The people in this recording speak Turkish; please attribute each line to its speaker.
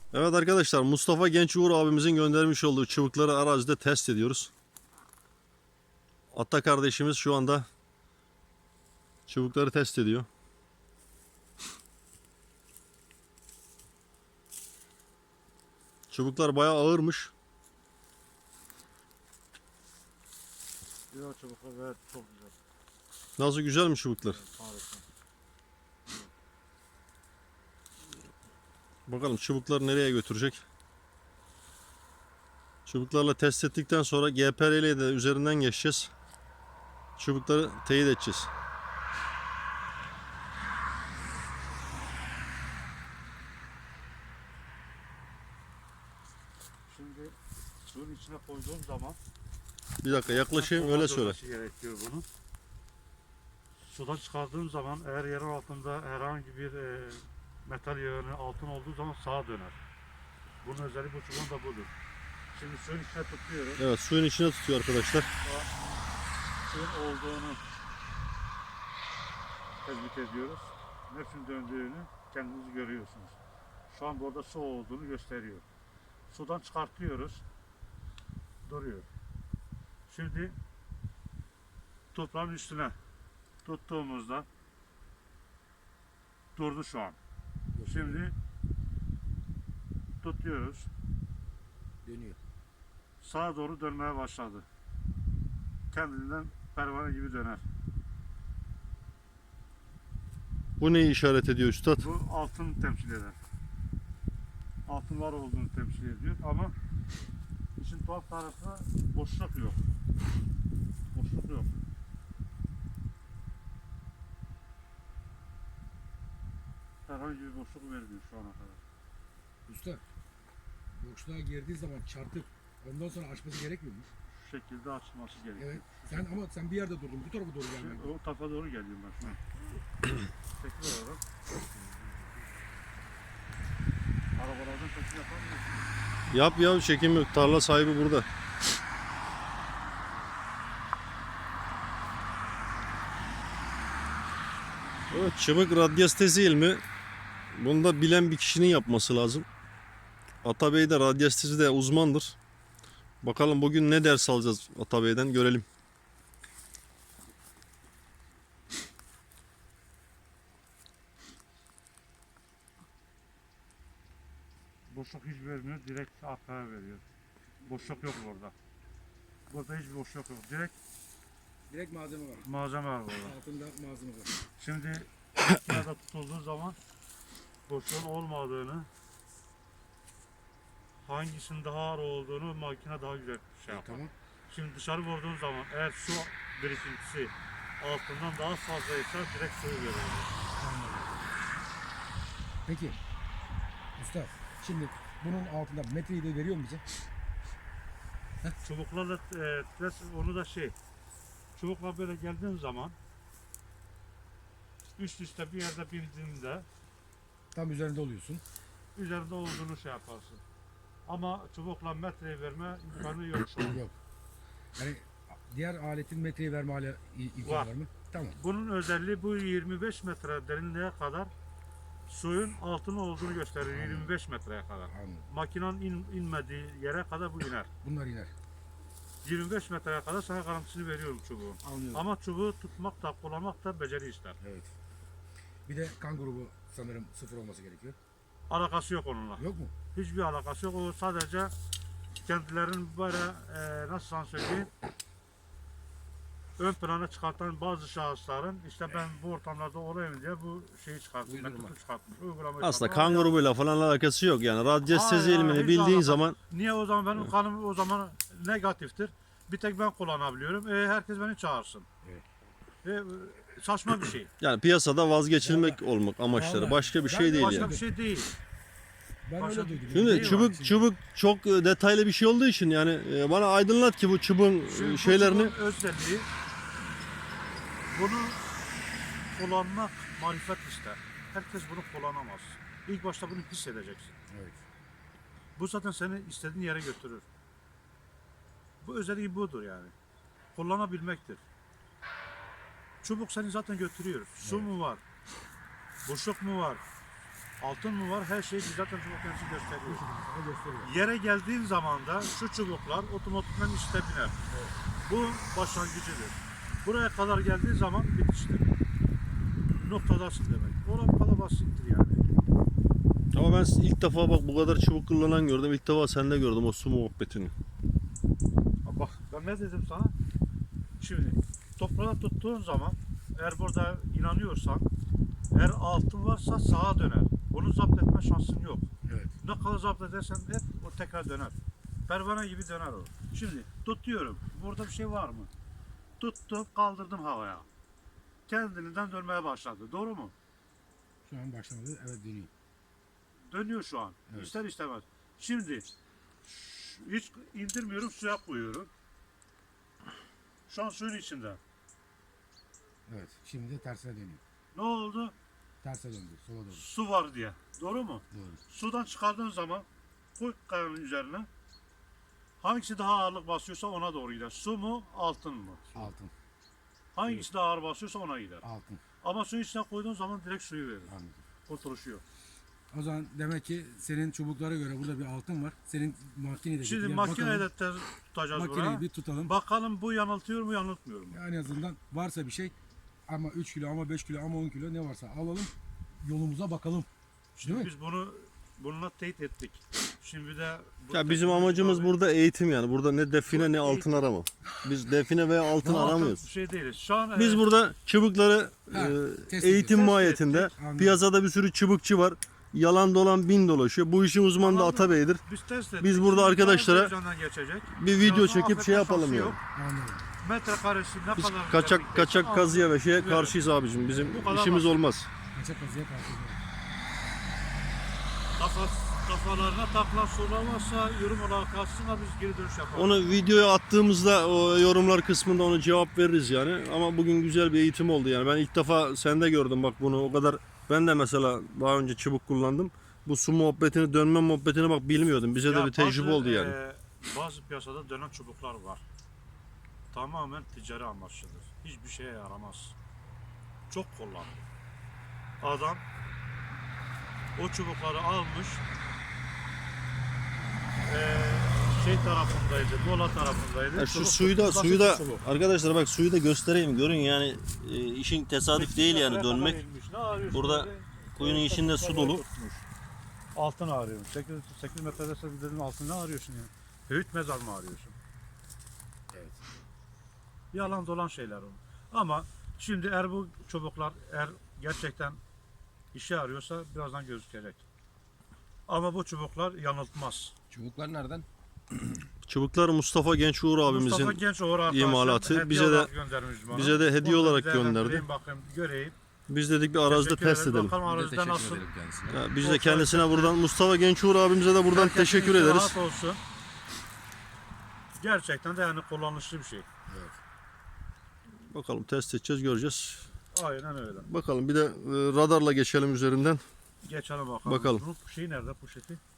Speaker 1: Evet arkadaşlar, Mustafa Genç Uğur abimizin göndermiş olduğu çubukları arazide test ediyoruz. Atta kardeşimiz şu anda çubukları test ediyor. Çubuklar bayağı ağırmış.
Speaker 2: Güzel çubuklar, evet, çok güzel.
Speaker 1: Nasıl, güzel mi çubuklar?
Speaker 2: Harika.
Speaker 1: Bakalım çubukları nereye götürecek. Çubuklarla test ettikten sonra GPR ile de üzerinden geçeceğiz. Çubukları teyit edeceğiz.
Speaker 2: Şimdi suyun içine koyduğum zaman
Speaker 1: Bir dakika yaklaşayım, öyle söyle.
Speaker 2: gerekiyor bunu. Sudan çıkardığım zaman eğer yerin altında herhangi bir metal yığını altın olduğu zaman sağa döner. Bunun özelliği bu çubuğun da budur. Şimdi suyun içine tutuyorum.
Speaker 1: Evet, suyun içine tutuyor arkadaşlar.
Speaker 2: Suyun olduğunu tespit ediyoruz. Nefsin döndüğünü kendiniz görüyorsunuz. Şu an burada su olduğunu gösteriyor. Sudan çıkartıyoruz. Duruyor. Şimdi toprağın üstüne tuttuğumuzda durdu şu an. Şimdi tutuyoruz.
Speaker 3: Dönüyor.
Speaker 2: Sağa doğru dönmeye başladı. Kendinden pervane gibi döner.
Speaker 1: Bu neyi işaret ediyor üstad?
Speaker 2: Bu altın temsil eder. Altın var olduğunu temsil ediyor ama işin tuhaf tarafı boşluk yok. Boşluk yok. Herhangi bir boşluk vermiyor şu ana kadar.
Speaker 3: Usta, boşluğa girdiği zaman çarpıp ondan sonra açması gerekmiyor mu?
Speaker 2: Şu şekilde açılması gerekiyor.
Speaker 3: Evet. Sen bir yerde durdun. Bu tarafa doğru gelmen.
Speaker 2: O tarafa doğru geliyorum ben şu an. Tekrar olarak. Arabalardan çekim yapamıyorsun.
Speaker 1: Yap ya, çekim yok. Tarla sahibi burada. Evet, çubuk radyastezi ilmi. Bunu da bilen bir kişinin yapması lazım. Atabey de radyastezi de uzmandır. Bakalım bugün ne ders alacağız Atabey'den, görelim.
Speaker 2: Boşluk hiç vermiyor. Direkt arkaya veriyor. Boşluk yok burada. Burada hiçbir boşluk yok.
Speaker 3: Direkt malzeme var.
Speaker 2: Malzeme var burada.
Speaker 3: Altında malzeme var.
Speaker 2: Şimdi makinede tutulduğu zaman boşluğun olmadığını, hangisinin daha ağır olduğunu makine daha güzel şey yapar.
Speaker 3: Tamam.
Speaker 2: Şimdi dışarı vurduğun zaman eğer su birikintisi altından daha fazlaysa direkt suyu veriyor.
Speaker 3: Peki. Usta, şimdi bunun altında metreyi de veriyor mu bize?
Speaker 2: Çubuklarla onu da çubukla böyle geldiğin zaman üst üste bir yerde bindiğinde
Speaker 3: Tam üzerinde oluyorsun.
Speaker 2: üzerinde olduğunu şey yaparsın. Ama çubukla metreyi verme imkanı yok şu an.
Speaker 3: Yok. Yani diğer aletin metreyi verme imkanı var mı? Tamam.
Speaker 2: Bunun özelliği bu 25 metre derinliğe kadar suyun altın olduğunu gösterir.
Speaker 3: Anladım.
Speaker 2: 25 metreye kadar.
Speaker 3: Anladım.
Speaker 2: Makinenin inmediği yere kadar bu iner.
Speaker 3: Bunlar iner.
Speaker 2: 25 metreye kadar sana garantisini veriyorum çubuğun.
Speaker 3: Anlıyorum.
Speaker 2: Ama çubuğu tutmak da kullanmak da beceri ister.
Speaker 3: Evet. Bir de kan grubu sanırım 0 olması gerekiyor.
Speaker 2: Alakası yok onunla.
Speaker 3: Yok mu?
Speaker 2: Hiçbir alakası yok. O sadece kendilerinin böyle nasıl sana söyleyeyim, ön plana çıkartan bazı şahısların işte ben bu ortamlarda olayım diye bu şeyi çıkartmış,
Speaker 3: Uydurma.
Speaker 2: metodu çıkartmış. Uygulamayı
Speaker 1: Aslında
Speaker 2: çıkartmış.
Speaker 1: kan grubuyla falan alakası yok yani. Radyastezi
Speaker 2: Hayır,
Speaker 1: ilmini
Speaker 2: hiç
Speaker 1: bildiğin
Speaker 2: alakası-
Speaker 1: zaman
Speaker 2: Niye o zaman benim kanım o zaman negatiftir? Bir tek ben kullanabiliyorum. Herkes beni çağırsın.
Speaker 3: Evet.
Speaker 2: Saçma bir şey.
Speaker 1: yani piyasada vazgeçilmek olmak amaçları.
Speaker 3: Vallahi
Speaker 1: Başka bir
Speaker 3: ben
Speaker 1: şey değil
Speaker 2: Başka
Speaker 1: yani.
Speaker 2: bir şey değil.
Speaker 3: Ben
Speaker 2: Başka-
Speaker 3: öyle duydum.
Speaker 1: Şimdi
Speaker 2: Neyi var
Speaker 1: çubuk çok detaylı bir şey olduğu için yani bana aydınlat ki bu çubuğun
Speaker 2: Şimdi bu
Speaker 1: şeylerini.
Speaker 2: çubuğun özelliği bunu kullanmak marifet ister. Herkes bunu kullanamaz. İlk başta bunu hissedeceksin.
Speaker 3: Evet.
Speaker 2: Bu zaten seni istediğin yere götürür. Bu özelliği budur yani. Kullanabilmektir. Çubuk seni zaten götürüyor. Su mu var? Boşluk mu var? altın mı var, her şey zaten çubuk kendisi gösteriyor.
Speaker 3: Sana gösteriyor.
Speaker 2: Yere geldiğin zaman da şu çubuklar otomatikman üste biner. Bu başlangıcıdır. Buraya kadar geldiği zaman bitiştir. Noktadasın demek. Orada bu kadar basittir yani.
Speaker 1: Ama ben ilk defa bak bu kadar çubuk kullanan gördüm. İlk defa sende gördüm o su muhabbetini.
Speaker 2: Ha bak ben ne dedim sana? Şimdi toprağa tuttuğun zaman eğer burada inanıyorsan eğer altın varsa sağa döner. Bunu zapt etme şansın yok.
Speaker 3: Evet.
Speaker 2: Ne kadar zapt edersen et o tekrar döner. Pervane gibi döner o. Şimdi tutuyorum. Burada bir şey var mı? Tuttum kaldırdım havaya. Kendiliğinden dönmeye başladı. Doğru mu?
Speaker 3: Şu an başlamadı. Evet dönüyor.
Speaker 2: Dönüyor şu an.
Speaker 3: Evet.
Speaker 2: İster istemez. Şimdi hiç indirmiyorum suya koyuyorum. Şu an suyun içinde.
Speaker 3: Evet. Şimdi de tersine dönüyor.
Speaker 2: Ne oldu?
Speaker 3: Terse döndü. Sola döndü.
Speaker 2: Su var diye. Doğru mu?
Speaker 3: Doğru.
Speaker 2: Sudan çıkardığın zaman koy kayanın üzerine. Hangisi daha ağırlık basıyorsa ona doğru gider. Su mu, altın mı?
Speaker 3: Altın.
Speaker 2: Hangisi daha ağır basıyorsa ona gider.
Speaker 3: Altın.
Speaker 2: Ama suyun içine koyduğun zaman direkt suyu verir.
Speaker 3: Anladım.
Speaker 2: Oturuşuyor.
Speaker 3: O zaman demek ki senin çubuklara göre burada bir altın var. Senin makinede.
Speaker 2: Şimdi
Speaker 3: Yani
Speaker 2: makinede
Speaker 3: bakalım,
Speaker 2: tutacağız
Speaker 3: makineyi
Speaker 2: buraya.
Speaker 3: bir tutalım.
Speaker 2: Bakalım bu yanıltıyor mu yanıltmıyor mu?
Speaker 3: Yani en azından varsa bir şey ama 3 kilo ama 5 kilo ama 10 kilo ne varsa alalım. Yolumuza bakalım.
Speaker 2: Şimdi
Speaker 3: Değil mi?
Speaker 2: biz bununla teyit ettik. Şimdi de bu
Speaker 1: Ya bizim
Speaker 2: teknoloji
Speaker 1: amacımız
Speaker 2: tabii-
Speaker 1: burada eğitim yani. Burada ne define ne
Speaker 2: Bu
Speaker 1: altın arama. Biz define veya altın
Speaker 2: Bu altın
Speaker 1: aramıyoruz.
Speaker 2: bir şey değiliz. Şu an
Speaker 1: Biz burada çubukları
Speaker 3: Ha, test
Speaker 1: eğitim
Speaker 2: ediyoruz.
Speaker 1: mahiyetinde
Speaker 2: Test
Speaker 3: Anladım.
Speaker 1: piyasada bir sürü çubukçu var. Yalan dolan bin dolaşıyor. Bu işin uzmanı da
Speaker 2: Anladım.
Speaker 1: Atabey'dir.
Speaker 2: biz test ettik.
Speaker 1: Biz burada
Speaker 2: Şimdi
Speaker 1: arkadaşlara
Speaker 2: televizyondan geçecek.
Speaker 1: bir video
Speaker 2: Birazdan
Speaker 1: çekip şey
Speaker 2: affetme
Speaker 1: yapalım
Speaker 2: şansı
Speaker 1: yani.
Speaker 2: yok.
Speaker 3: Anladım.
Speaker 2: Metrekaresi ne
Speaker 1: Biz
Speaker 2: kadar
Speaker 1: kaçak
Speaker 2: güzel
Speaker 1: kaçak
Speaker 2: bir-
Speaker 1: kazıya ve şeye
Speaker 2: Evet.
Speaker 1: karşıyız abicim. Bizim
Speaker 2: Bu kadar
Speaker 1: işimiz
Speaker 2: basit.
Speaker 1: olmaz.
Speaker 3: Kaçak kazıya karşı.
Speaker 2: Kafalarına takılan sorular varsa yorum olarak kalsınlar biz geri dönüş yapalım.
Speaker 1: Onu videoya attığımızda o yorumlar kısmında onu cevap veririz yani. Ama bugün güzel bir eğitim oldu yani. Ben ilk defa sende gördüm bak bunu. O kadar ben de mesela daha önce çubuk kullandım. Bu su muhabbetini, dönme muhabbetini bak bilmiyordum. Bize de
Speaker 2: Ya
Speaker 1: bir tecrübe
Speaker 2: bazı,
Speaker 1: oldu yani.
Speaker 2: Bazı piyasada dönen çubuklar var. Tamamen ticari amaçlıdır. Hiçbir şeye yaramaz. Çok kullanılır. Adam o çubukları almış şey tarafındaydı, Mola tarafındaydı.
Speaker 1: Ya şu
Speaker 2: Çubuk
Speaker 1: suyu da
Speaker 2: basit
Speaker 1: suyu da
Speaker 2: çubuk.
Speaker 1: arkadaşlar bak suyu da göstereyim görün yani işin tesadüf değil yani
Speaker 2: Metreye kadar
Speaker 1: dönmek.
Speaker 2: inmiş. Ne arıyorsun
Speaker 1: Burada
Speaker 2: dedi?
Speaker 1: kuyunun içinde su dolu.
Speaker 2: Tutmuş. Altın arıyorum. 8 metrede sen dedim altın ne arıyorsun ya? Höyük mezar mı arıyorsun?
Speaker 3: Evet.
Speaker 2: Yalan dolan şeyler o. Ama şimdi eğer bu çubuklar eğer gerçekten işe arıyorsa birazdan gözükecek. Ama bu çubuklar yanıltmaz.
Speaker 3: Çubuklar nereden?
Speaker 1: Çubuklar Mustafa Genç Uğur abimizin
Speaker 2: Mustafa Genç arkadaşlar
Speaker 1: imalatı.
Speaker 2: hediye
Speaker 1: Bize de-
Speaker 2: olarak göndermiş bana.
Speaker 1: bize de hediye
Speaker 2: Onu
Speaker 1: olarak
Speaker 2: değerlendireyim,
Speaker 1: gönderdi.
Speaker 2: Bakayım, göreyim.
Speaker 1: biz dedik bir arazide
Speaker 2: Teşekkür
Speaker 1: test
Speaker 2: ederim.
Speaker 1: edelim.
Speaker 2: Bakalım
Speaker 4: Biz de
Speaker 2: arazide
Speaker 4: teşekkür
Speaker 2: nasıl.
Speaker 4: ederim kendisine.
Speaker 1: Ya biz de
Speaker 2: Bol
Speaker 1: kendisine
Speaker 2: şans
Speaker 1: buradan Mustafa Genç Uğur abimize de buradan
Speaker 2: Herkesin
Speaker 1: teşekkür
Speaker 2: içi
Speaker 1: ederiz.
Speaker 2: rahat olsun. Gerçekten de yani kullanışlı bir şey.
Speaker 1: Bakalım test edeceğiz göreceğiz.
Speaker 2: Aynen öyle.
Speaker 1: Bakalım bir de radarla geçelim üzerinden.
Speaker 2: Geçelim bakalım.
Speaker 1: Bakalım.
Speaker 2: Bunun şeyi nerede poşeti?